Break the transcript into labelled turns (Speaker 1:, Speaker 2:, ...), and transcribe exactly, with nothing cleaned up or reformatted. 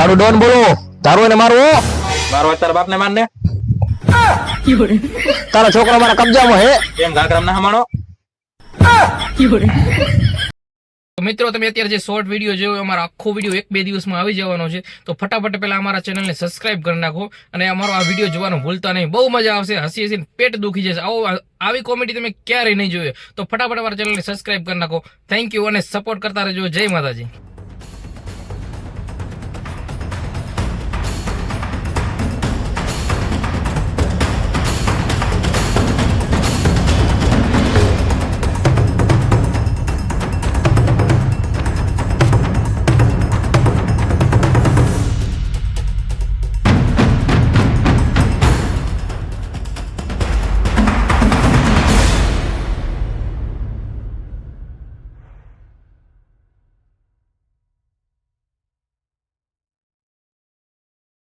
Speaker 1: મારું ડોન બોલો, તારું એને મારું.
Speaker 2: મારો તારા બાપ ને મારને.
Speaker 1: તારા છોકરો મારા કબજામાં હે.
Speaker 2: એમ ઘાઘરામ ના હમાણો.
Speaker 3: મિત્રો તમે અત્યારે જે શોર્ટ વિડીયો જોયો અમારો આખો વિડીયો એક બે દિવસમાં આવી જવાનો છે, તો ફટાફટ પહેલા અમારા ચેનલને સબસ્ક્રાઇબ કરી નાખો અને અમારો આ વિડીયો જોવાનું ભૂલતા નહીં. બહુ મજા આવશે, હસી હસીને પેટ દુખી જશે. આવો આવી કોમેડી તમે ક્યારેય નહીં જોયો, તો ફટાફટ અમારા ચેનલને સબસ્ક્રાઇબ કરી નાખો. થેન્ક યુ અને સપોર્ટ કરતા રહેજો. જય માતાજી.